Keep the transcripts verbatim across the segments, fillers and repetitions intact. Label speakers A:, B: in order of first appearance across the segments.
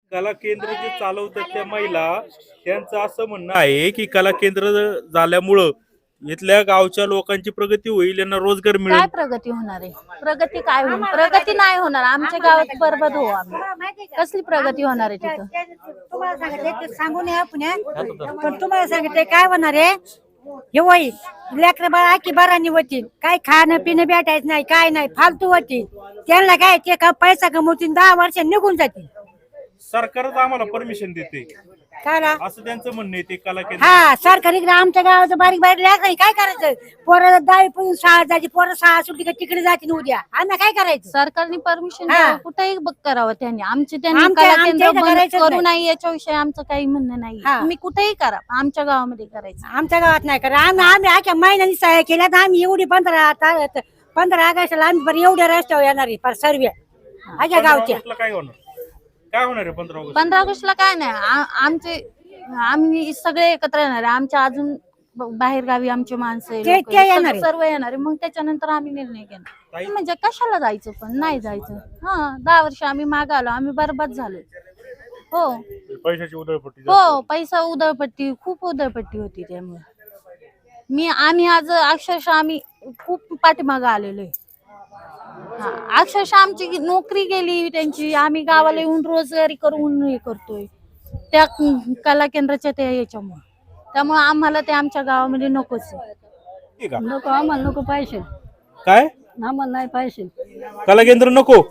A: कला केंद्र जे चालवतात त्या महिला त्यांचं असं म्हणणं आहे की कला केंद्र झाल्यामुळं इथल्या गावच्या लोकांची प्रगती होईल, यांना रोजगार
B: काय
A: मिळेल.
B: प्रगती होणार आहे? प्रगती काय होईल? प्रगती नाही होणार. आमच्या गावात बरबाद हो आम्ही. कसली प्रगती होणार आहे तिथं?
C: तुम्हाला सांगितले ते सांगू नये पुण्यात, पण तुम्हाला सांगितले काय होणार आहे हे होईल. लेकरं बाळा की बारांनी होतील, काय खाणं पिणं भेटायचं नाही, काय नाही, फालतू होतील. त्यांना काय ते का पैसा कमवतील, दहा वर्ष निघून जातील.
A: सरकारच आम्हाला परमिशन देते
C: काय रा?
A: असं त्यांचं म्हणणं आहे. ते कला केंद्र
C: हा सरकार इकडे आमच्या गावाचं बारीक बारीक लेकरं काय करायचं? पोरं दहावी पण शाळा जायची, पोरं शाळा सुटली का तिकडे जातील उद्या. आम्ही काय करायचं?
B: सरकारने परमिशन
C: हा.
B: कुठेही बघ करावं त्यांनी. आमचे त्यांनी
C: आमच्या-
B: कला
C: आमच्या
B: केंद्र
C: इथं
B: बंद
C: करायचंच
B: करू
C: नाही.
B: नाही याच्याविषयी आमचं काही म्हणणं नाही.
C: हा.
B: तुम्ही कुठेही करा, आमच्या गावामध्ये करायचं.
C: आमच्या गावात नाही करा. आम्ही आम्ही आख्या महिन्यानी सहाय्य केल्या तर आम्ही एवढी पंधरा ता- पंधरा ऑगस्टला आम्ही बरं एवढ्या रस्त्यावर येणार आहे पर सर्व आख्या गावच्या.
A: ऑगस्टला काय होणार? काय होणार आहे पंधरा ऑगस्ट?
B: पंधरा ऑगस्टला काय नाही, आ- आमचे आम्ही सगळे एकत्र येणार आहे. आमच्या अजून बाहेर गावी आमचे माणसं आहे,
C: ते-
B: लोकं
C: ते
B: आहे,
C: येणार
B: सगळे-
C: आहे.
B: सर्व येणार आहे. मग त्याच्यानंतर आम्ही निर्णय घेणार.
A: ताई-
B: म्हणजे कशाला जायचं, पण नाही जायचं. हा दहा वर्ष आम्ही माग आलो, आम्ही बरबाद झालो. हो
A: पैशाची उधळपट्टी
B: हो पैसा उधळपट्टी, खूप उधळपट्टी होती. त्यामुळे मी आम्ही आज अक्षरशः आम्ही खूप पाठीमागं आलेलो आहे. हा, अक्षरशः आमची नोकरी गेली त्यांची. आम्ही गावाला येऊन रोजगारी करून हे करतोय त्या कला केंद्राच्या त्या याच्यामुळे. त्यामुळे आम्हाला ते आमच्या गावामध्ये नकोच आहे.
A: ठीक आहे.
C: नको आम्हाला, नको पैसे
A: काय
C: आम्हाला नाही पैसे.
A: कला केंद्र नको?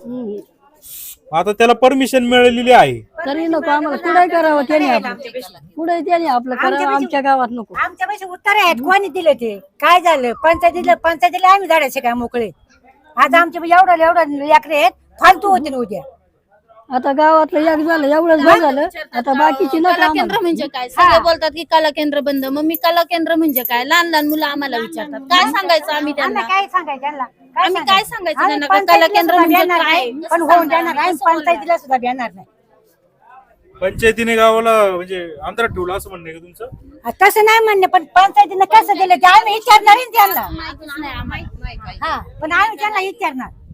A: आता त्याला परमिशन मिळालेली आहे.
C: तरी नको आम्हाला. कुठे करावं त्याने आपलं, कुठे त्याने आपलं करावं. आमच्या गावात नको. आमच्या पैसे उत्तर आहेत. कोणी दिले ते? काय झालं? पंचायतीला पंचायतीला आम्ही झाडायचे काय मोकळे. आज आमचे एवढं एवढं लेकरे आहेत, फालतू होते उद्या. आता गावातलं एक झालं, एवढंच बरं झालं. आता बाकीची
B: कला केंद्र म्हणजे काय? सगळे बोलतात की कला केंद्र बंद. मग मी कला केंद्र म्हणजे काय? लहान लहान मुलं आम्हाला विचारतात, काय सांगायचं आम्ही त्यांना?
C: काय सांगायचं त्यांना?
B: आम्ही काय सांगायचं
C: आम्ही
B: त्यांना? का कला
C: पंचायतीला
B: केंद्र
C: सुद्धा
B: म्हणजे
C: देणार
B: काय?
C: नाही. पण होऊन जाणार नाही. पंचायतीला सुद्धा देणार नाही.
A: पंचायतीने गावाला म्हणजे अंतरात ठेवलं असं म्हणणं आहे का तुमचं?
C: तसं नाही म्हणणे, पण पंचायतीनं कसं दिलं ते आम्ही विचारणार आहे ना त्यांना.
B: माहितीच नाही आम्हाला.
C: हा पण आम्ही त्यांना विचारणार.